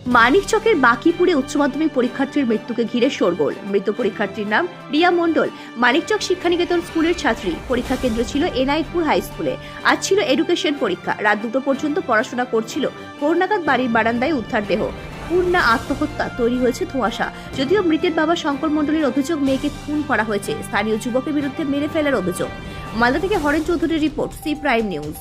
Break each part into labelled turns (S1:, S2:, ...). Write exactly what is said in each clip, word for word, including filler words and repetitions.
S1: মানিকচকের বাকিপুরে উচ্চ মাধ্যমিক পরীক্ষার্থীর মৃত্যুকে ঘিরে শোরগোল। মৃত পরীক্ষার্থীর নাম রিয়া মণ্ডল। মানিকচক শিক্ষানিকেতন স্কুলের ছাত্রী। পরীক্ষা কেন্দ্র ছিল এনায়েতপুর হাই স্কুলে। আজ ছিল এডুকেশন পরীক্ষা। রাত দুটো পর্যন্ত পড়াশোনা করছিল। ভোর নাগাদ বাড়ির বারান্দায় উদ্ধার দেহ। পূর্ণা আত্মহত্যা, তৈরি হয়েছে ধোঁয়াশা। যদিও মৃতের বাবা শঙ্কর মণ্ডলের অভিযোগ, মেয়েকে খুন করা হয়েছে। স্থানীয় যুবকের বিরুদ্ধে মেরে ফেলার অভিযোগ। মালদা থেকে হরেন চৌধুরীর রিপোর্ট, সি প্রাইম নিউজ।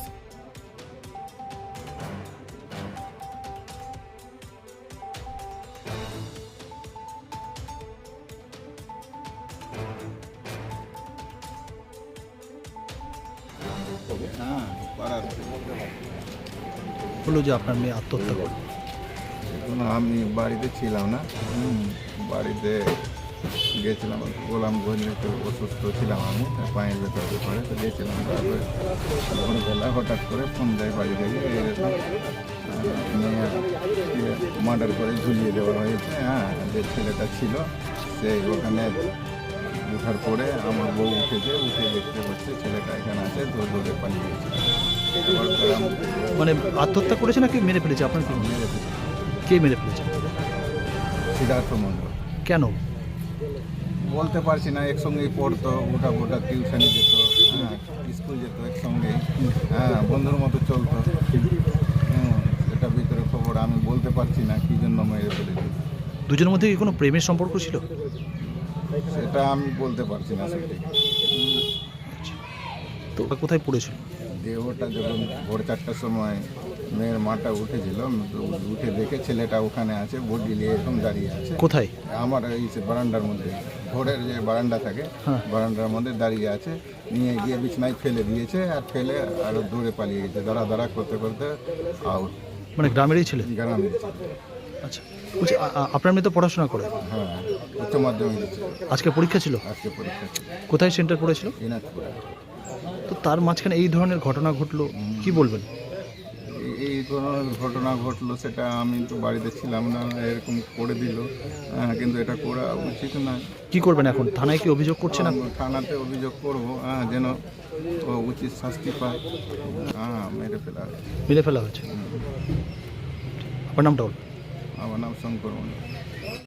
S2: হলো যে আপনার মেয়ে আত্মহত্যা করল।
S3: এখন আমি বাড়িতে ছিলাম না, হুম, বাড়িতে গেছিলাম, গোলামগঞ্জ একটু অসুস্থ ছিলাম, আমি পায়ের ভেতরে পড়ে তো গেছিলাম। তারপরে ভোরবেলা হঠাৎ করে ফোন দেয় বাড়ি থেকে, এরকম মেয়ে মার্ডার করে ঝুলিয়ে দেওয়া হয়েছে। হ্যাঁ, যে ছেলেটা ছিল সে ওখানে ওঠার পরে আমার বউ উঠেছে, উঠে দেখতে পাচ্ছে ছেলেটা এখানে আছে, দৌড় দৌড়ে পালিয়ে গেছে।
S2: মানে আত্মহত্যা করেছে নাকি মেরে ফেলেছে? আপনার কি
S3: মেরে ফেলেছে।
S2: কে মেরে ফেলেছে?
S3: সিদ্ধার্থ মণ্ডল।
S2: কেন
S3: বলতে পারছি না, একসঙ্গেই পড়তো, ওটা ওটা টিউশনি যেত, হ্যাঁ, স্কুল যেত একসঙ্গে, হ্যাঁ, বন্ধুর মতো চলতো। হুম, এটা ভিতরে খবর, আমি বলতে পারছি না কী জন্য মেরে ফেলেছি।
S2: দুজনের মধ্যে কি কোনো প্রেমের সম্পর্ক ছিল?
S3: সেটা আমি বলতে পারছি না সত্যি।
S2: তো কোথায় পড়েছিল?
S3: দেহটা যখন ভোর চারটার সময় মেয়ের মাটা উঠেছিল, উঠে দেখে ছেলেটা ওখানে আছে, বডি নিয়ে এরকম দাঁড়িয়ে আছে।
S2: কোথায়?
S3: আমার এই যে বারান্দার মধ্যে, ভোরের যে বারান্দা থাকে,
S2: হ্যাঁ।
S3: বারান্দার মধ্যে দাঁড়িয়ে আছে। নিয়ে গিয়ে বিছনায় ফেলে দিয়েছে, আর ফেলে আরও দূরে পালিয়ে গেছে, দাঁড়া দাঁড়া করতে করতে আউট।
S2: মানে গ্রামেরই ছিলেন?
S3: গ্রামে ছিল।
S2: আচ্ছা, বলছি আ- আ- আপনার মেয়ে তো পড়াশোনা করে?
S3: হ্যাঁ, উচ্চ মাধ্যমিক দিচ্ছে।
S2: আজকে পরীক্ষা ছিল?
S3: আজকে পরীক্ষা ছিল
S2: কোথায় সেন্টার পড়েছিল?
S3: দিনাজপুরে।
S2: তো তার মাঝখানে এই ধরনের ঘটনা ঘটলো, কি বলবেন?
S3: এই- এই কোনো ঘটনা ঘটলো সেটা আমি তো বাড়িতে ছিলাম না, এরকম করে দিল, হ্যাঁ, কিন্তু এটা করা উচিত না।
S2: কি করবেন এখন? থানায় কি অভিযোগ করছেন আপনি?
S3: থানাতে অভিযোগ করবো, হ্যাঁ, যেন ও উচিত শাস্তি পায়। হ্যাঁ, মেরে ফেলা হয়েছে।
S2: মেরে ফেলা হয়েছে? আপনার নামটা বলুন।
S3: আমার নাম শঙ্কর মণ্ডল।